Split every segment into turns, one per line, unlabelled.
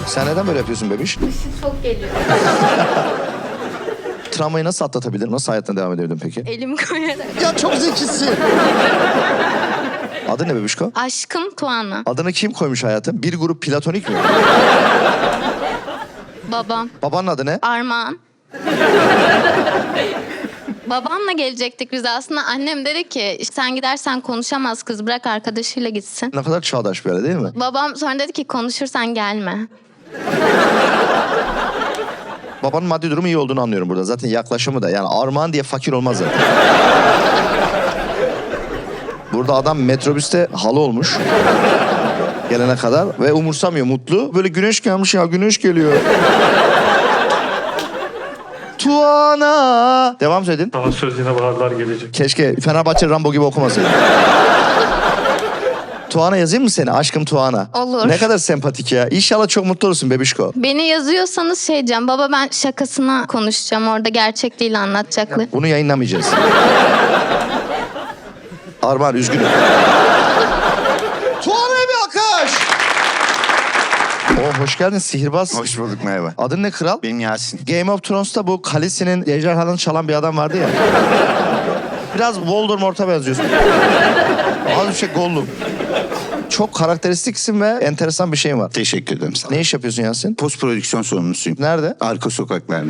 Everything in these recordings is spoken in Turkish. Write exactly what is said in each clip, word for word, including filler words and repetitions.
Sen neden böyle yapıyorsun bebiş?
Işık çok geliyor.
Travmayı nasıl atlatabilirim? Nasıl hayatına devam edebilirim peki?
Elim koyarak.
Ya çok zekisin. Adı ne bebişko?
Aşkım Tuana.
Adını kim koymuş hayatım? Bir grup platonik mi?
Babam.
Babanın adı ne?
Armağan. Babamla gelecektik biz aslında. Annem dedi ki sen gidersen konuşamaz kız, bırak arkadaşıyla gitsin.
Ne kadar çağdaş böyle değil mi?
Babam sonra dedi ki konuşursan gelme.
Babanın maddi durumu iyi olduğunu anlıyorum burada. Zaten yaklaşımı da. Yani Armağan diye fakir olmaz zaten. Burada adam metrobüste halı olmuş. Gelene kadar ve umursamıyor, mutlu. Böyle güneş gelmiş ya, güneş geliyor. Tuana. Devam söyledin.
Daha söz yine baharlar gelecek.
Keşke Fenerbahçe Rambo gibi okumasaydın. Tuana yazayım mı seni? Aşkım Tuana.
Olur.
Ne kadar sempatik ya. İnşallah çok mutlu olursun bebişko.
Beni yazıyorsanız şey diyeceğim. Baba ben şakasına konuşacağım. Orada gerçek değil anlatacaklar.
Bunu yayınlamayacağız. Armağan üzgünüm. Tuana'ya bir alkış. Oo, hoş geldin sihirbaz.
Hoş bulduk, merhaba.
Adın ne kral?
Benim Yasin.
Game of Thrones'ta bu Khaleesi'nin ejderhanını çalan bir adam vardı ya. Biraz Voldemort'a benziyorsun. Az bir şey Gollum. Çok karakteristiksin ve enteresan bir şeyin var.
Teşekkür ederim sana.
Ne iş yapıyorsun Yasin?
Post prodüksiyon sorumlusuyum.
Nerede?
Arka sokaklarda.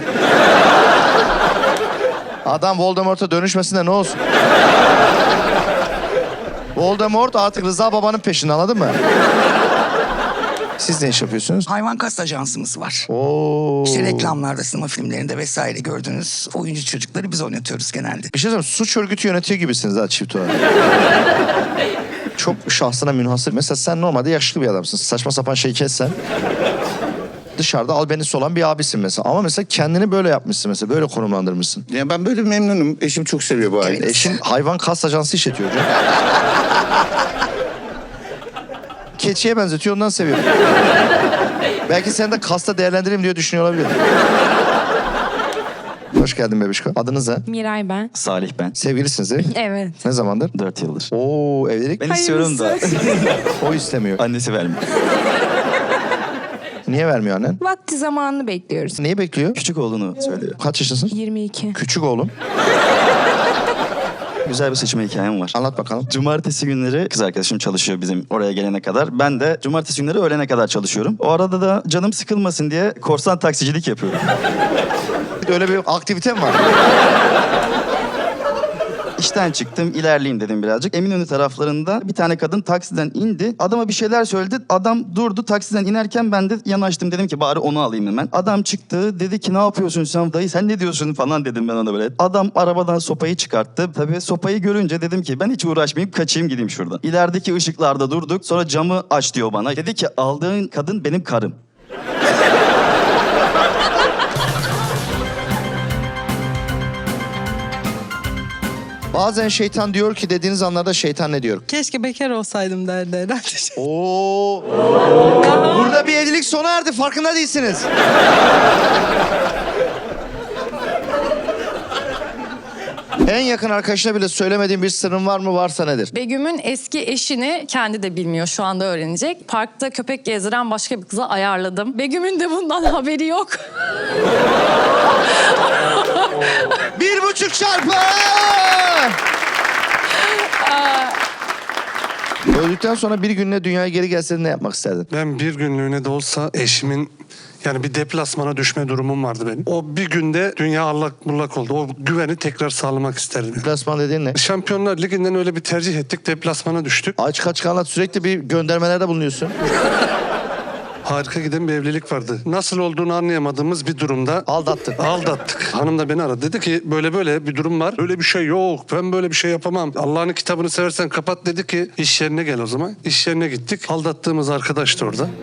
Adam Voldemort'a dönüşmesin de ne olsun? Voldemort artık Rıza babanın peşinde, anladın mı? Siz ne iş yapıyorsunuz?
Hayvan kast ajansımız var.
Oo.
İşte reklamlarda, sinema filmlerinde vesaire gördüğünüz oyuncu çocukları biz oynatıyoruz genelde.
Bir şey söyleyeyim, suç örgütü yönetiyor gibisiniz ha çift olarak. Çok şahsına münhasır. Mesela sen normalde yaşlı bir adamsın. Saçma sapan şey kessen. Dışarıda albenisi olan bir abisin mesela. Ama mesela kendini böyle yapmışsın mesela. Böyle konumlandırmışsın.
Ya ben böyle memnunum. Eşim çok seviyor bu aileyi.
Eşin hayvan kas ajansı işletiyor hocam. Keçiye benzetiyor, ondan seviyorum. Belki seni de kasta değerlendireyim diye düşünüyor olabilir. Hoş geldin bebişko. Adınız ne?
Miray ben.
Salih ben.
Sevgilisiniz değil mi?
Evet.
Ne zamandır?
Dört yıldır.
Oo, evlilik.
Ben istiyorum da
O istemiyor.
annesi vermiyor.
Niye vermiyor annen?
Vakti zamanını bekliyoruz.
Neyi bekliyor?
Küçük olduğunu söylüyor.
Kaç yaşındasın?
yirmi iki.
Küçük oğlum.
Güzel bir seçme hikayem var.
Anlat bakalım.
Cumartesi günleri kız arkadaşım çalışıyor bizim oraya gelene kadar. Ben de cumartesi günleri öğlene kadar çalışıyorum. O arada da canım sıkılmasın diye korsan taksicilik yapıyorum.
Öyle bir aktivitem var.
İşten çıktım, ilerleyeyim dedim birazcık. Eminönü taraflarında bir tane kadın taksiden indi. Adama bir şeyler söyledi. Adam durdu, taksiden inerken ben de yanaştım. Dedim ki bari onu alayım hemen. Adam çıktı, dedi ki ne yapıyorsun sen dayı, sen ne diyorsun falan dedim ben ona böyle. Adam arabadan sopayı çıkarttı. Tabii sopayı görünce dedim ki ben hiç uğraşmayayım, kaçayım gideyim şuradan. İlerideki ışıklarda durduk. Sonra camı aç diyor bana. Dedi ki aldığın kadın benim karım.
Bazen şeytan diyor ki dediğiniz anlarda şeytan ne diyor?
Keşke bekar olsaydım derdi herhalde.
Oo. Burada bir evlilik sona erdi, farkında değilsiniz. En yakın arkadaşına bile söylemediğin bir sırrın var mı? Varsa nedir?
Begüm'ün eski eşini kendi de bilmiyor, şu anda öğrenecek. Parkta köpek gezdiren başka bir kıza ayarladım. Begüm'ün de bundan haberi yok.
Bir buçuk çarpı! Öldükten sonra bir gününe dünyaya geri gelseydin ne yapmak isterdin?
Ben bir günlüğüne de olsa eşimin yani bir deplasmana düşme durumum vardı benim. O bir günde dünya allak bullak oldu. O güveni tekrar sağlamak isterdim.
Deplasman dediğin ne?
Şampiyonlar Ligi'nden öyle bir tercih ettik. Deplasmana düştük.
Açık açık anlat, sürekli bir göndermelerde bulunuyorsun.
Harika giden bir evlilik vardı. Nasıl olduğunu anlayamadığımız bir durumda
Aldattın.
aldattık. Hanım da beni aradı. Dedi ki böyle böyle bir durum var. Öyle bir şey yok. Ben böyle bir şey yapamam. Allah'ın kitabını seversen kapat dedi ki iş yerine gel o zaman. İş yerine gittik. Aldattığımız arkadaş da orada.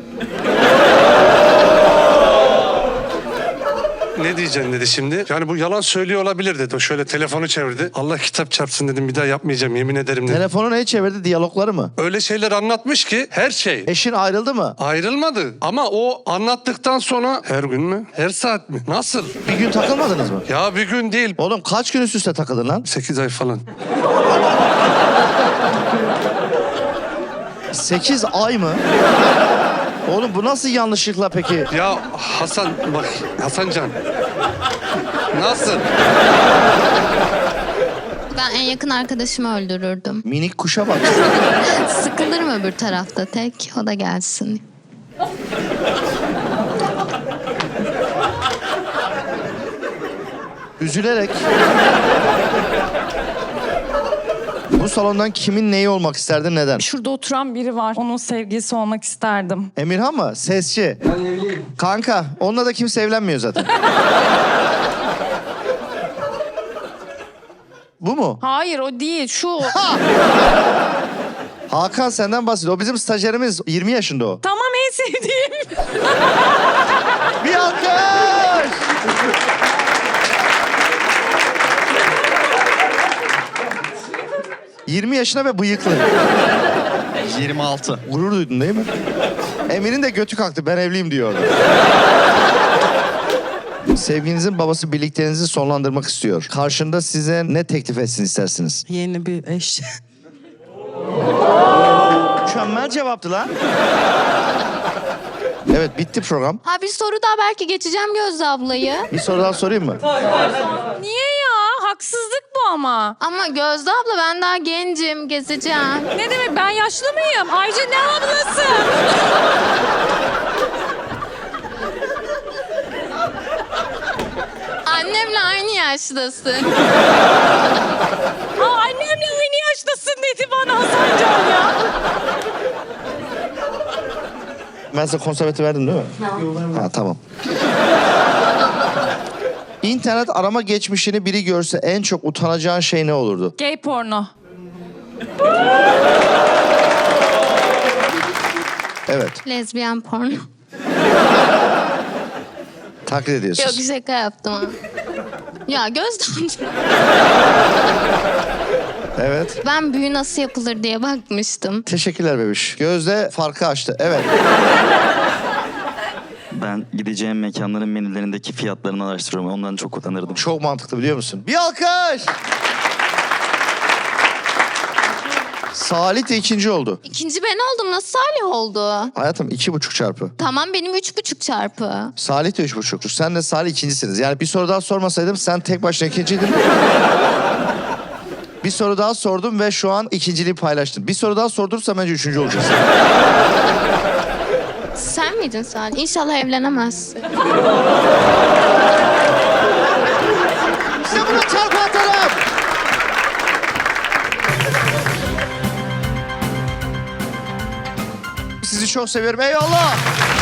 Ne diyeceksin dedi şimdi. Yani bu yalan söylüyor olabilir dedi. O şöyle telefonu çevirdi. Allah kitap çarpsın dedim. Bir daha yapmayacağım yemin ederim dedim.
Telefonu neye çevirdi? Diyalogları mı?
Öyle şeyler anlatmış ki her şey.
Eşin ayrıldı mı?
Ayrılmadı. Ama o anlattıktan sonra her gün mü? Her saat mi? Nasıl?
Bir gün takılmadınız mı?
Ya bir gün değil.
Oğlum kaç gün üst üste takıldın lan?
Sekiz ay falan.
Sekiz ay mı? Oğlum bu nasıl yanlışlıkla peki?
Ya Hasan bak Hasancan. Nasıl?
Ben en yakın arkadaşımı öldürürdüm.
Minik kuşa bak.
Sıkılırım öbür tarafta tek. O da gelsin.
Üzülerek. Bu salondan kimin neyi olmak isterdin, neden?
Şurada oturan biri var. Onun sevgilisi olmak isterdim.
Emirhan mı? Sesçi. Ben evliyim. Kanka, onunla da kimse evlenmiyor zaten. Bu mu?
Hayır o değil. Şu.
Hakan senden bahsediyor. O bizim stajyerimiz. yirmi yaşında o.
Tamam en sevdiğim.
Bir alkış! yirmi yaşına ve bıyıklı.
yirmi altı.
Gurur duydun değil mi? Emir'in de götü kalktı. Ben evliyim diyor. Sevginizin babası birlikteliğinizi sonlandırmak istiyor. Karşında size ne teklif etsin istersiniz?
Yeni bir eş.
Mükemmel cevaptı lan. Evet, bitti program.
Ha bir soru daha, belki geçeceğim Gözde ablayı.
Bir soru daha sorayım mı?
Niye ya? Haksızlık bu ama.
Ama Gözde abla ben daha gencim, gezeceğim.
Ne demek ben yaşlı mıyım? Ayrıca ne ablası?
Annemle aynı yaştasın.
Aa, annemle aynı yaştasın dedi bana Hasancan ya.
Ben size konsepti verdim değil mi? Ha, tamam. İnternet arama geçmişini biri görse en çok utanacağın şey ne olurdu?
Gay porno.
Evet,
Lezbiyen porno.
taklit
Yok
ediyorsunuz.
şaka yaptım ha. Ya Gözde abla,
Evet.
ben büyü nasıl yapılır diye bakmıştım.
Teşekkürler bebiş. Gözde farkı açtı. Evet.
Ben gideceğim mekanların menülerindeki fiyatlarını araştırıyorum. Ondan çok utanırdım.
Çok mantıklı biliyor musun? Bir alkış! Salih de ikinci oldu.
İkinci ben oldum, nasıl Salih oldu?
Hayatım iki buçuk çarpı.
Tamam benim üç buçuk çarpı.
Salih de üç buçuk. Sen de Salih ikincisiniz. Yani bir soru daha sormasaydım sen tek başına ikinciydin. Bir soru daha sordum ve şu an ikinciliği paylaştın. Bir soru daha sordursam bence üçüncü olacaksın.
Sen miydin Salih? İnşallah evlenemezsin.
İşte bunu çarpı atalım. Sizi çok seviyorum. Eyvallah.